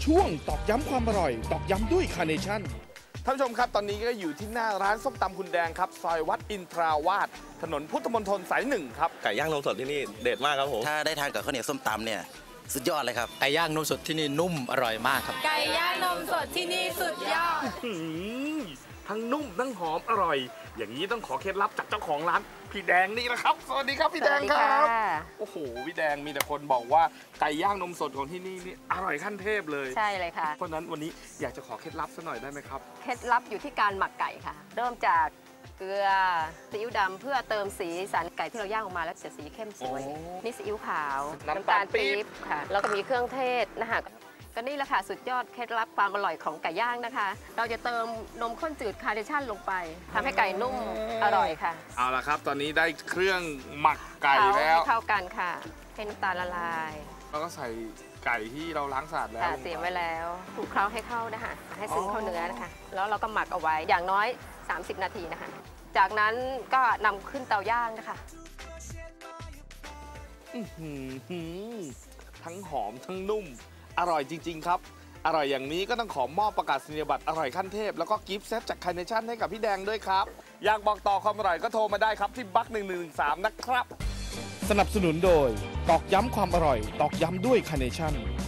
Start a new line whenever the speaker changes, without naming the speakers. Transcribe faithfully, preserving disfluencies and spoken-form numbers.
ช่วงตอกย้ำความอร่อยตอกย้ำด้วยคาร์เนชั่น
ท่านผู้ชมครับตอนนี้ก็อยู่ที่หน้าร้านส้มตำคุณแดงครับซอยวัดอินทราวาสถนนพุทธมณฑลสายหนึ่งครับ
ไก่ย่างนมสดที่นี่เด็ดมากครับผม
ถ้าได้ทานกับข้าวเหนียวส้มตำเนี่ยสุดยอดเลยครับ
ไก่ย่างนมสดที่นี่นุ่มอร่อยมากครับ
ไก่ย่างนมสดที่นี่สุดยอด
ทั้งนุ่มทั้งหอมอร่อยอย่างนี้ต้องขอเคล็ดลับจากเจ้าของร้านพี่แดงนี่แหละครับสวัสดีครับพี่แดงครับโอ้โหพี่แดงมีแต่คนบอกว่าไก่ย่างนมสดของที่นี่นี่อร่อยขั้นเทพเลย
ใช่เลยค่ะ
เพราะนั้นวันนี้อยากจะขอเคล็ดลับสักหน่อยได้ไหมครับ
เคล็ดลับอยู่ที่การหมักไก่ค่ะเริ่มจากเกลือซีอิ๊วดำเพื่อเติมสีสันไก่ที่เราย่างออกมาแล้วจะสีเข้มสวยนี่ซีอิ๊วขาวน้ำตาลปี๊บค่ะแล้วก็มีเครื่องเทศนะคะก็นี่แหละค่ะสุดยอดเคล็ดลับความอร่อยของไก่ย่างนะคะเราจะเติมนมข้นจืดคาร์เนชั่นลงไปทำให้ไก่นุ่มอร่อยค่ะ
เอาละครับตอนนี้ได้เครื่องหมักไก่แล้ว
ให้เข้ากันค่ะให้น้ำตาลละลาย
แล้วก็ใส่ไก่ที่เราล้างสะอาดแล้ว
เตรียมไว้แล้วคลุกเคล้าให้เข้านะคะให้ซึมเข้าเนื้อนะคะแล้วเราก็หมักเอาไว้อย่างน้อยสามสิบนาทีนะคะจากนั้นก็นำขึ้นเตาย่างนะคะ
ทั้งหอมทั้งนุ่มอร่อยจริงๆครับอร่อยอย่างนี้ก็ต้องขอมอบประกาศนียบัตรอร่อยขั้นเทพแล้วก็กิฟต์เซตจากคาร์เนชั่นให้กับพี่แดงด้วยครับอยากบอกต่อความอร่อยก็โทรมาได้ครับที่บักหนึ่งหนึ่งสามนะครับ
สนับสนุนโดยตอกย้ำความอร่อยตอกย้ำด้วยคาร์เนชั่น